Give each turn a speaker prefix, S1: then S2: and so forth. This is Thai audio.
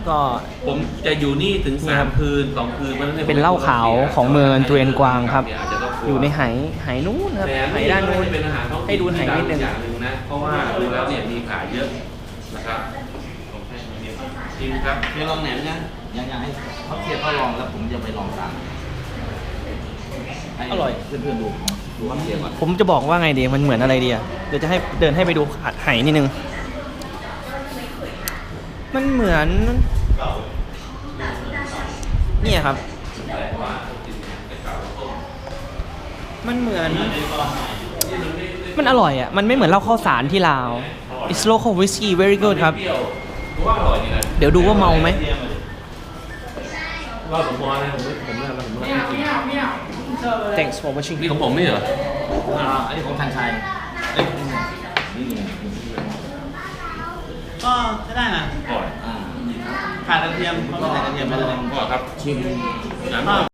S1: ก็
S2: ผมจะอยู่นี่ถึง3 คืน 2 คืน
S1: เป็นเหล้าขาวของเมืองเทรนกวางครับอยู่ในไหนู้นครับไหด้านนู้นให้ดูไหนิดนึง
S2: อย่างหนึ่งนะเพราะว่าดูแล้วเนี่ยมีขายเยอะนะครับจริงครับ
S3: เดี๋ยวลองแหนมนะอยากให้เขาเทียบเขาลองแล้วผมจะไปลองตาม
S1: อร่อย
S3: เพื่อนๆดูเขาเทียบก่อน
S1: ผมจะบอกว่าไงดีมันเหมือนอะไรดีอ่ะเดี๋ยวจะให้เดินให้ไปดูไหนิดนึงมันเหมือนเนี่ยครับมันเหมือนมันอร่อยอ่ะมันไม่เหมือนเหล้าข้าวสารที่ลาว It's local whiskey very good ครับเดี๋ยวดูว่าเมาไหม
S2: ว่าผมพอนะผม
S1: Thanks for watching
S2: นี่ของผมไม่เหรอ
S3: อันนี้ของทันชัย
S4: ก็ใช้ได้นะ
S2: ก่อน
S4: ขาดกระเทียมเขาไม่ใส่กระเทียมไปเลย
S2: ก่อนครับชิม